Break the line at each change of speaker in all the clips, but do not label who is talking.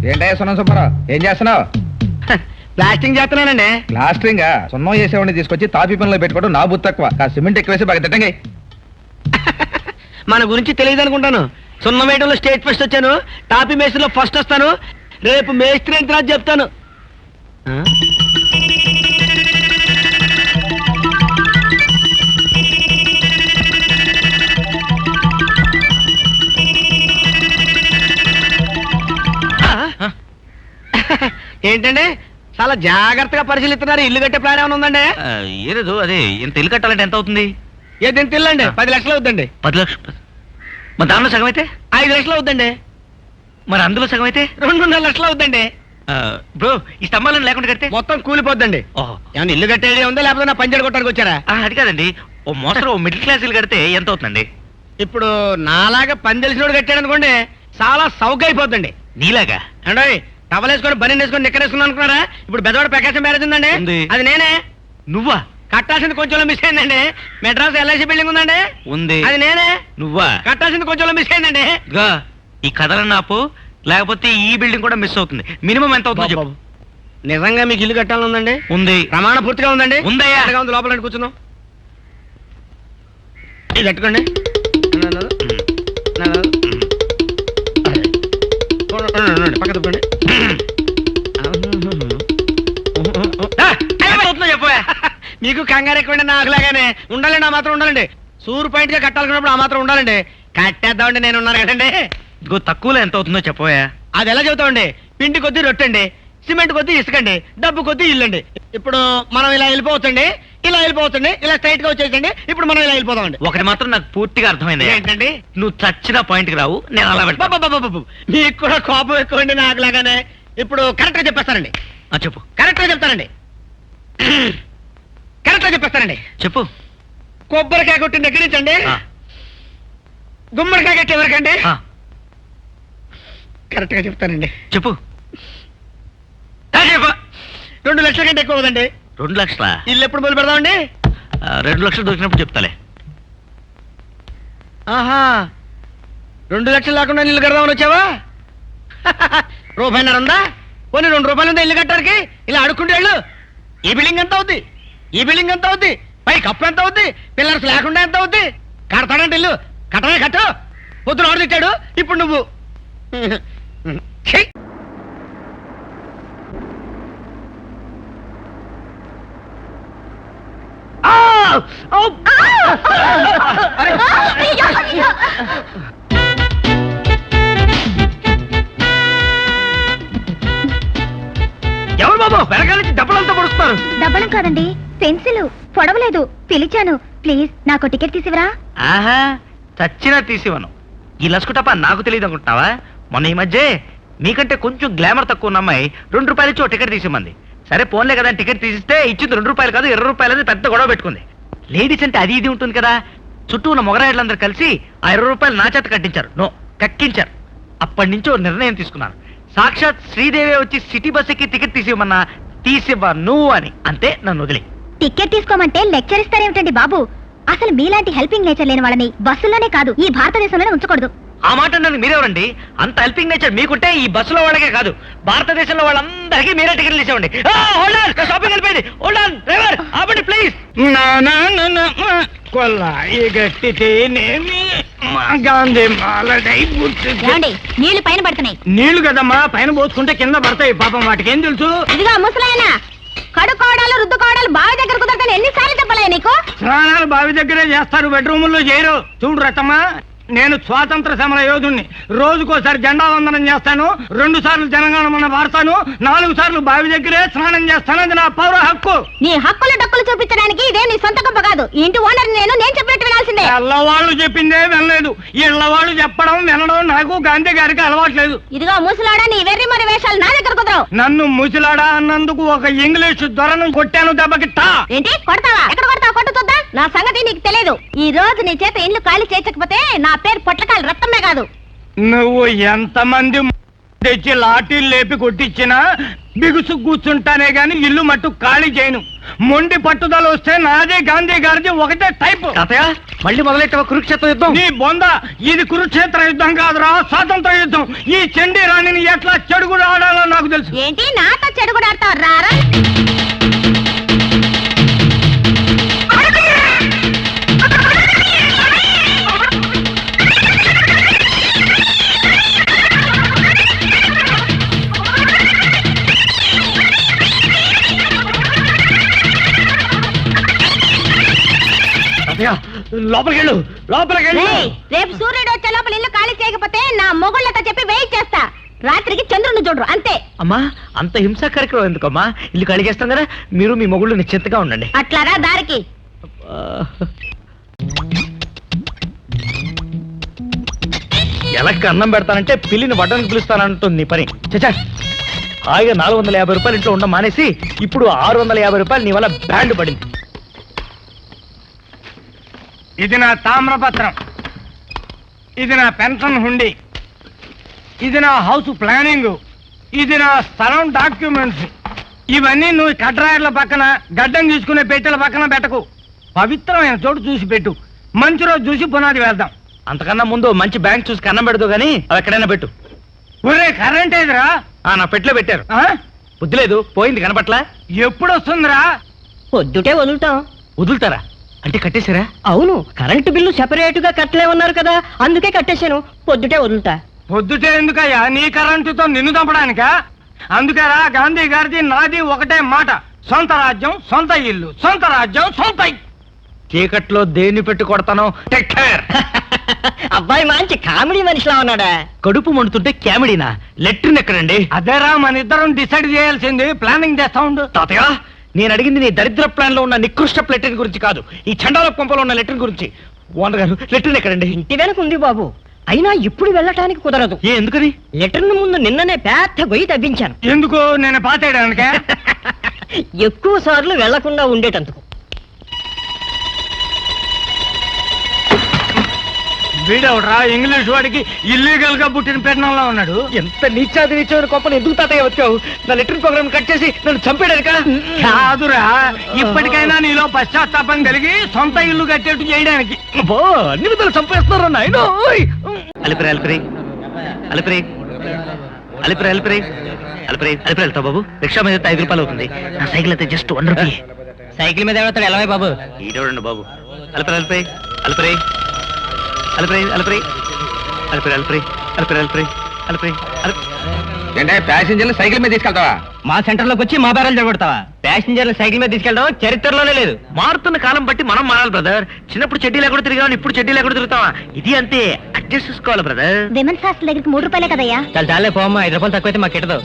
ఏంటయ్యా సున్నం సుబ్బారావు, ఏం చేస్తున్నావు?
ప్లాస్టింగ్ చేస్తున్నానండి.
ప్లాస్టరింగ్ సున్నం చేసేవాడిని తీసుకొచ్చి తాపీ పనిలో పెట్టుకోవడం నా బుద్ధి తక్కువ. సిమెంట్ ఎక్కువేసి బాగా తిట్టండి.
మన గురించి తెలియదు అనుకుంటాను. సున్నం వేయడంలో స్టేట్ ఫస్ట్ వచ్చాను, టాపీ మేస్త్రిలో ఫస్ట్ వస్తాను. రేపు మేస్త్రి ఎంత చెప్తాను. ఏంటండి చాలా జాగ్రత్తగా పరిశీలిస్తున్నారు. ఇల్లు కట్టే ప్లాన్ ఏమైనా ఉందండి?
ఏలేదు. అదే ఇంత ఇల్లు కట్టాలంటే ఎంత అవుతుంది?
ఏదైనా తిల్లండి 10 లక్షలు అవుతుందండి.
10 లక్షలు. మరి దానిలో సగం అయితే
5 లక్షలు అవుతుందండి.
మరి అందులో సగం అయితే
2.5 లక్షలు అవుతుందండి.
బ్రో, ఈ స్తంభాలను లేకుండా కడితే
మొత్తం కూలిపోద్దండి. ఏమన్నా ఇల్లు కట్టేది ఉందా లేకపోతే నా పంచర్ కొట్టడానికి వచ్చారా?
అది కాదండి, ఓ మోస్తరు ఓ మిడిల్ క్లాస్ ఇల్లు కడితే ఎంత అవుతుందండి?
ఇప్పుడు నాలాగా పని తెలిసినోడు కట్టాడు అనుకోండి, చాలా సౌక అయిపోద్దండి.
నీలాగా
అంటే టవల్ వేసుకొని బని వేసుకొని నిక్కరేసుకున్నాను అనుకున్నారా? ఇప్పుడు బెదవాడ ప్రకాశం మ్యారేజ్ ఉందండి, అది నేనే.
నువ్వా?
కట్టాల్సింది కొంచెం మిస్ అయిందండి. మెడ్రాస్ ఎల్ఐసి బిల్డింగ్ ఉందండి,
ఉంది,
అది నేనే.
నువ్వా?
కట్టాల్సింది కొంచెం మిస్ అయిందండి.
ఈ కథలన్న ఆపు, లేకపోతే ఈ బిల్డింగ్ కూడా మిస్ అవుతుంది. మినిమం ఎంత అవుతుంది చెప్పు.
నిజంగా మీకు ఇల్లు కట్టాలని ఉందండి?
ఉంది.
ప్రమాణ పూర్తిగా ఉందండి?
ఉందయ్యా.
ఉంది. లోపల కూర్చున్నాం. ఇది కట్టుకోండి. పక్క తప్పండి.
చెప్పా.
మీకు కంగారు ఎక్కువండి, నాకులాగానే ఉండాలండి. ఆ మాత్రం ఉండాలండి. సూర్ పాయింట్ గా కట్టాలనుకున్నప్పుడు ఆ మాత్రం ఉండాలండి. కట్టేద్దామండి, నేను ఉన్నాను కదండి.
ఇదిగో తక్కువలో ఎంత అవుతుందో చెప్పవా.
అది ఎలా చెబుతామండి? పిండి కొద్దీ రొట్టండి, సిమెంట్ కొద్దీ ఇసుకండి, డబ్బు కొద్దీ ఇల్లండి. ఇప్పుడు మనం ఇలా వెళ్ళిపోవచ్చండి, ఇలా వెళ్ళిపోవచ్చండి, ఇలా స్ట్రైట్ గా వచ్చేసండి. ఇప్పుడు మనం ఇలా వెళ్ళిపోదామండి.
ఒకటి మాత్రం నాకు పూర్తిగా అర్థమైంది.
ఏంటండి?
నువ్వు చచ్చిన పాయింట్ కి రావు, నేను అలా
బాబు మీకు కూడా కోపం ఎక్కువండి నాకులాగానే. ఇప్పుడు కరెక్ట్ గా చెప్పేస్తానండి.
చెప్పు.
కరెక్ట్ గా చెప్తానండి. కరెక్ట్ గా చెప్పేస్తానండి.
చెప్పు.
కొబ్బరికాయ కొట్టిన దగ్గర నుంచి అండి గుమ్మడికాయ కట్టే వరకండి కరెక్ట్ గా చెప్తానండి.
చెప్పు.
2 లక్షల కంటే ఎక్కువ అవుదండి.
2 లక్షలా?
ఇల్లు ఎప్పుడు మొదలు పెడదామండి?
2 లక్షలు దొరికినప్పుడు చెప్తాలే.
ఆహా, 2 లక్షలు లేకుండా ఇల్లు కడదామని వచ్చావా? రూపాయన్నర ఉందా? పోనీ 2 రూపాయలు ఉందా ఇల్లు కట్టడానికి? ఇలా అడుక్కుంటే వెళ్ళు. ఈ బిల్డింగ్ ఎంత అవుద్ది? ఈ బిల్డింగ్ ఎంత అవుద్ది? పై కప్పు ఎంత అవుద్ది? పిల్లర్స్ లేకుండా ఎంత అవుద్ది? కడతాడంటే ఇల్లు కట్టమే కట్టు. పొద్దున ఆర్డర్ ఇచ్చాడు, ఇప్పుడు నువ్వు. ఎవరు బాబు వెనకాల నుంచి డబ్బులంతా పొడుస్తున్నారు?
డబ్బలం కాదండి, పెన్సిల్ పొడవలేదు. పిలిచాను, ప్లీజ్ నాకు టికెట్ తీసివరా.
ఆహా, చచ్చినా తీసివను. ఈ లస్కుటప్ప నాకు తెలియదు అనుకుంటున్నావా? మొన్న ఈ మధ్య మీకంటే కొంచెం గ్లామర్ తక్కువ ఉన్న అమ్మాయి 2 రూపాయలు ఇచ్చి టికెట్ తీసిమంది. సరే పోన్లే కదా, టికెట్ తీసిస్తే ఇచ్చింది 2 రూపాయలు కాదు 20 రూపాయలు అని పెద్ద గొడవ పెట్టుకుంది. లేడీస్ అంటే అది ఇది ఉంటుంది కదా. చుట్టూ ఉన్న మొగరాయిలందరూ కలిసి ఆ 20 రూపాయలు నా చేత కట్టించారు. కక్కించారు. అప్పటి నుంచి ఓ నిర్ణయం తీసుకున్నాను. సాక్షాత్ శ్రీదేవి వచ్చి సిటీ బస్ ఎక్కి టికెట్ తీసివ్వమన్నా తీసివ్వను అని. అంతే, నన్ను వదిలే.
టికెట్ తీసుకోమంటే లెక్చర్ ఇస్తారేమిటండి బాబు? అసలు మీలాంటి హెల్పింగ్ నేచర్ లేని వాళ్ళని బస్సుల్లోనే కాదు ఈ భారతదేశంలోనే ఉంచకూడదు.
ఆ మాట నన్ను మీరెవరండి? అంత హెల్పింగ్ నేచర్ మీకుంటే ఈ బస్సులో వాళ్ళకే కాదు భారతదేశంలో వాళ్ళందరికీ మీరే టికెట్లు ఇచ్చేవండి. షాపింగ్ వెళ్ళిపోయింది. డ్రైవర్ ఆపండి ప్లీజ్.
నీళ్లు పైన పడుతున్నాయి.
నీళ్లు కదమ్మా, పైన పోసుకుంటే కింద పడతాయి. పాపం వాటికి ఏం తెలుసు?
ఇదిగా ముసలాయన, కడుకోవడాలు రుద్దుకోవడాలు బావి దగ్గర కుదరతాను ఎన్నిసార్లు చెప్పలే నీకు?
స్నానాలు బావి దగ్గరే చేస్తారు, బెడ్రూముల్లో చేయరు. చూడు రతమ్మా, నేను స్వాతంత్ర సమర యోధుణ్ణి. రోజుకోసారి జెండా వందనం చేస్తాను, 2 సార్లు జనగణమన వాడతాను, 4 సార్లు బావి దగ్గరే స్నానం చేస్తాను. అది నా పౌర హక్కు.
నీ హక్కులు డక్కులు చూపించడానికి ఇదే నీ సొంత గొప్ప కాదు. ఇంటి ఓనర్ నేను చెప్పినట్టు వినాల్సిందే.
ఎల్లవాళ్ళు చెప్పిందే వినలేదు. ఇళ్ళవాళ్ళు చెప్పడం వినడం నాకు గాంధీ గారికి అలవాట్లేదు.
ఇదిగో ముసలాడా, నీ వెర్రి మరి వేషాలు నా దగ్గర కుదరవు.
నన్ను ముసలాడా అన్నందుకు ఒక ఇంగ్లీషు దొరను కొట్టాను దెబ్బకిట్టా.
ఏంటి కొడతావా? ఎక్కడ కొడతావు? కొట్టు చూద్దాం. నా సంగతి నీకు తెలియదు. ఈ రోజు నీ చేత ఇల్లు ఖాళీ చేయకపోతే నా పేరు పొట్లకాయలు రక్తమే కాదు.
నువ్వు ఎంతమంది తెచ్చి లాఠీలు లేపి కొట్టించినా బిగుసు కూర్చుంటానే గాని ఇల్లు మట్టు ఖాళీ చేయను. మొండి పట్టుదల వస్తే నాదే గాంధీ గారిది ఒకటే టైపు.
మళ్ళీ మొదలెట్టావా కురుక్షేత్ర యుద్ధం?
నీ బొంద, ఇది కురుక్షేత్ర యుద్ధం కాదురా, స్వాతంత్ర యుద్ధం. ఈ చండీ రాణిని ఎట్లా చెడుగుడు ఆడ తెలుసు.
ఏంటి నాతో చెడు కూడా ఆడతావు? రారా.
లోపలికి వెళ్ళు, లోపలికి వెళ్ళు.
రేయ్, రేపు సూర్యుడు వచ్చే లోపల ఇల్లు ఖాళీ చేయకపోతే నా మొగుళ్ళతో చెప్పి వెయిట్ చేస్తా. రాత్రికి చంద్రుని చూడరు అంతే.
అమ్మా అంత హింసా కార్యక్రమం ఎందుకమ్మా? ఇల్లు కడిగేస్తాం కదా, మీరు మీ మొగుళ్ళు నిశ్చింతగా ఉండండి.
అట్లారా దారికి.
ఎలక్కి అన్నం పెడతానంటే పిల్లిని వడ్డానికి పిలుస్తానంటుంది నీ పని. చచ్చా, హాయిగా 450 రూపాయలు ఇంట్లో ఉండ మానేసి ఇప్పుడు 650 రూపాయలు నీ వల్ల బ్యాండ్ పడింది.
ఇది నా తామ్రపత్రం, ఇది నా పెన్షన్ హుండీ, ఇది నా హౌస్ ప్లానింగ్, ఇది నా స్థలం డాక్యుమెంట్స్. ఇవన్నీ నువ్వు కడ్రాయర్ల పక్కన గడ్డం తీసుకునే పెట్టెల పక్కన పెట్టకు. పవిత్రమైన చోటు చూసి పెట్టు. మంచి రోజు చూసి పునాది వేద్దాం.
అంతకన్నా ముందు మంచి బ్యాంక్ చూసి కన్నం పెడదు గానీ అవి ఎక్కడైనా పెట్టు.
ఒరే కరెంట్ ఏదిరా?
నా పెట్లో పెట్టారు.
ఆ?
బుద్ధి లేదు, పోయింది కనపట్లా.
ఎప్పుడు వస్తుందిరా?
పొద్దుటే వదులుతాం.
వదులుతారా అంటే కట్టేశారా?
అవును, కరెంటు బిల్లు సెపరేట్ గా కట్టలేమన్నారు కదా, అందుకే కట్టేశాను. పొద్దుటే వదులుతా.
పొద్దుటే ఎందుకయ్యా? నీ కరెంటుతో నిన్ను చంపడానికా? అందుకేరా గాంధీ గారిది నాది ఒకటే మాట, సొంత రాజ్యం సొంత ఇల్లు, సొంత రాజ్యం సొంత ఇల్లు.
చీకట్లో దేన్ని పెట్టి కొడతానో టేక్ కేర్.
అబ్బాయి మంచి కామెడీ మనిషిలా ఉన్నాడా?
కడుపు మండుతుంటే క్యామిడీనా? లెట్రిన్ ఎక్కడండి?
అదేరా మన ఇద్దరం డిసైడ్ చేయాల్సింది. ప్లానింగ్ చేస్తా ఉండు.
తాతయ్య, నేను అడిగింది నీ దరిద్ర ప్లాన్ లో ఉన్న నికృష్ట లెట్రిన్ గురించి కాదు, ఈ చండాల కొంపలో ఉన్న లెట్రిన్ గురించి. ఓనర్ గారు, లెట్రిన్ ఎక్కడండి?
ఇంటి వెనక ఉంది బాబు, అయినా ఇప్పుడు వెళ్ళటానికి కుదరదు.
ఎందుకని?
లెటర్ ముందు నిన్ననే పెద్ద గొయ్యి తవ్వించాను.
ఎందుకు? నేను పాతేయడానికే.
ఎక్కువ సార్లు వెళ్లకుండా ఉండేటందుకు.
వీడవడరా ఇంగ్లీష్ వాడికి ఇల్లీగల్ గా పుట్టిన పెట్టడంలో ఉన్నాడు.
ఎంత నీచాది నీచమైన కొంపను ఎందుకు తాతయ్య వచ్చావు? నా లెట్రిన్ ప్రోగ్రామ్ కట్ చేసి నన్ను చంపేయడానికా?
కాదురా, ఇప్పటికైనా నీలో పశ్చాత్తాపం కలిగి సొంత ఇల్లు కట్టేట్టు చేయడానికి.
అబ్బో, అన్ని విధాలు చంపేస్తున్నారు నాయన. అలిపిరి అలిపిరి అలిపిరి అలిపిరి అలిపిరి అలిపిరి అలిపిరి వెళ్తావు బాబు. రిక్షా మీద 5 రూపాయలు అవుతుంది. నా సైకిల్ అయితే జస్ట్ 1 రూపీ.
సైకిల్ మీద ఎవడతాడు? ఎలా బాబు?
ఈడోడండి బాబు. అలిపిరి అలిపిరి అలిపిరి అలిపిరి అలిపిరి అలిపిరి అలిపిరి అలిపిరి అలిపిరి అలిపిరి
ఏంటే ప్యాసింజర్లు సైకిల్ మీద తీసుకెళ్తావా?
మా సెంటర్ లోకి వచ్చి మా బేరాలు జరగొడతావా? ప్యాసింజర్లు సైకిల్ మీద తీసుకెళ్ళడం చరిత్రలోనే లేదు.
మారుతున్న కాలం బట్టి మనం మారాలి బ్రదర్. చిన్నప్పుడు చెడ్డీ లేకుండా తిరిగాం, ఇప్పుడు చెడ్డీ లేకుండా తిరుగుతావా? ఇది అంతే, అడ్జస్ట్ చేసుకోవాలి బ్రదర్.
విమెన్స్ హాస్టల్ దగ్గరికి 3 రూపాయలే కదయ్యా.
చాలా చాలే పోమ్మా, 5 రూపాయలు తక్కువైతే మాకు కిట్టదు.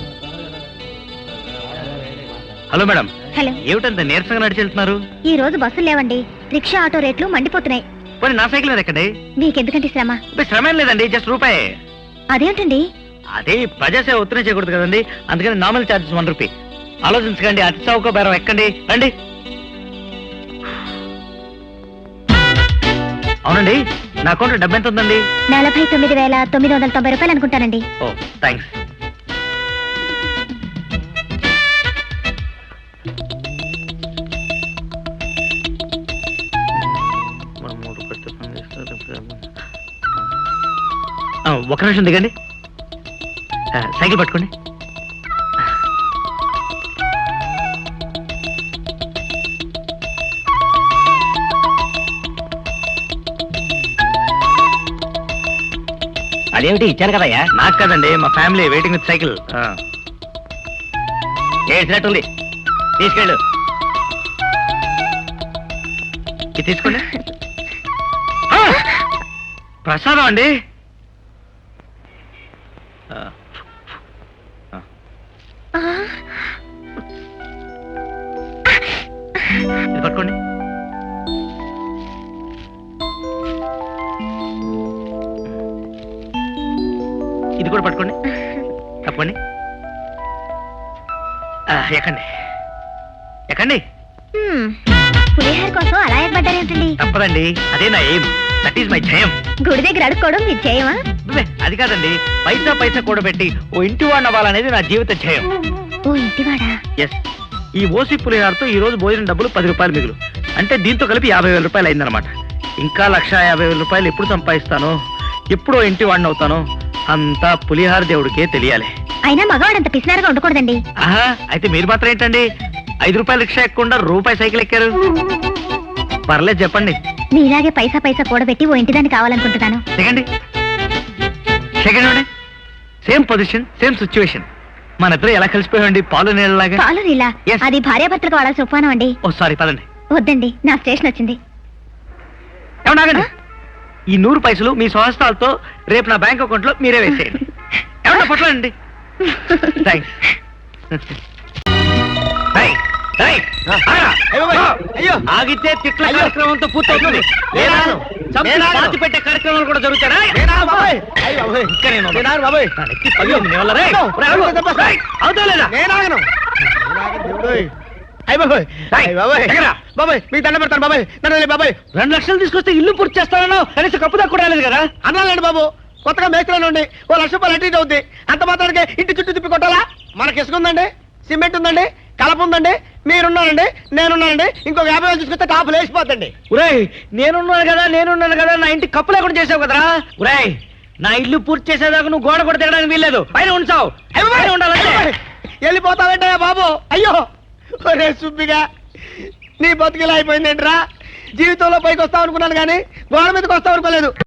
హలో మేడం,
హలో,
ఏమిటంత నీరసంగా నడిచి వెళ్తున్నారు?
ఈ రోజు బస్సులు లేవండి. రిక్షా ఆటో రేట్లు మండిపోతున్నాయి.
పోనీ నా సైకిల్ మీద ఎక్కండి.
మీకెందుకంటే శ్రమ?
శ్రమ ఏం లేదండి, జస్ట్ రూపాయి.
అదేంటండి?
అదే ప్రజాసేవ ఉత్తరం చేయకూడదు కదండి, అందుకని నార్మల్ ఛార్జెస్ 1 రూపీ. ఆలోచించకండి, అతి చౌక బేరం ఎక్కండి, రండి. అవునండి, నా అకౌంట్లో డబ్బు ఎంత ఉందండి?
49,990 రూపాయలు అనుకుంటానండి.
Oh thanks. ఒక నిమిషం దిగండి, సైకిల్ పట్టుకోండి.
అదేమిటి ఇచ్చాను కదయ్యా?
నాకు కదండి, మా ఫ్యామిలీ వెయిటింగ్ విత్ సైకిల్.
చేసినట్టుంది, తీసుకెళ్ళు.
ఇది తీసుకోండి. ప్రసాదం అండి. ఇది పట్టుకోండి. ఇది కూడా పట్టుకోండి, తప్పండి. ఎక్కండి ఎక్కండి.
పులిహార కోసం అలా ఎక్కబడ్డారేంటండి?
తప్పదండి, అదే నా ఎయిమ్, దట్ ఈస్ మై జయం.
గుడి దగ్గర అడుక్కోవడం మీరు చేయమా?
అది కాదండి, పైసా పైసా కూడబెట్టి ఓ ఇంటి వాడిని అవ్వాలనేది నా జీవిత జయం.
ఓ ఇంటివాడా?
ఎస్, ఈ ఓసి పులిహారతో ఈ రోజు భోజనం డబ్బులు 10 రూపాయలు మిగులు, అంటే దీంతో కలిపి 50,000 రూపాయలు అయిందనమాట. ఇంకా 1,50,000 రూపాయలు ఎప్పుడు సంపాదిస్తానో, ఎప్పుడో ఇంటి వాడిని అవుతానో, అంతా పులిహార దేవుడికే తెలియాలి.
అయినా మగవాడంత పిసినారుగా ఉండకూడదండి.
ఆహా, అయితే మీరు మాత్రం ఏంటండి 5 రూపాయల రిక్షా ఎక్కకుండా రూపాయి సైకిల్ ఎక్కారు? పర్లేదు చెప్పండి.
నీలాగే పైసా పైసా కూడబెట్టి ఓ ఇంటిదాన్ని కావాలనుకుంటున్నాను.
Second second same position same situation. మన ఇద్దరు ఎలా కలిసిపోయామండి పాలు నీళ్ళలాగా.
పాలు నీలా?
Yes.
అది భార్యాభర్తలకు వాడాల్సిన ఉపమానం అండి.
ఓ సారీ, పదండి.
వద్దండి, నా స్టేషన్ వచ్చింది.
ఏమన్నా ఆగండి. ఈ 100 పైసలు మీ స్వహస్తాలతో రేపు నా బ్యాంక్ అకౌంట్ లో మీరే వేసేయండి. ఏమన్నా పట్లండి. ఆగితే తిట్ల కార్యక్రమంతో పూర్తవుతుంది. లేదా చంపి పెట్టే కార్యక్రమాలు కూడా జరుగుతారా?
మీకు దండ పెడతాను బాబాయ్, నన్ను బాబాయ్.
2 లక్షలు తీసుకొస్తే ఇల్లు పూర్తి చేస్తానో కనీసం కప్పు దాకా కూడా రాలేదు కదా.
అన్నాలండి బాబు, కొత్తగా మేస్త్రిలో ఉండి ఓ 1 లక్ష రూపాయలు అటు ఇటు అవుద్ది. అంత మాత్రానికి ఇంటి చుట్టూ తిప్పి కొట్టాలా? మనకి ఇసుక ఉందండి, సిమెంట్ ఉందండి, కలప ఉందండి, మీరున్నారండి, నేనున్నానండి. ఇంకొక 50,000 తీసుకొస్తే టాపు లేచిపోతండి.
ఉరేయ్, నేనున్నాను కదా నా ఇంటి కప్పు లేకుండా చేసావు కదరా. ఉరేయ్, నా ఇల్లు పూర్తి చేసేదాకా నువ్వు గోడ కూడా తిరగడానికి వీల్లేదు. పైన ఉంచావు, పైన ఉండాలంటే.
వెళ్ళిపోతావేంటయ్యా బాబు? అయ్యో ఒరే సుబ్బిగా, నీ బతుకిలా అయిపోయిందేంట్రా? జీవితంలో పైకి వస్తావు అనుకున్నాను కానీ గోడ మీదకి వస్తావు అనుకోలేదు.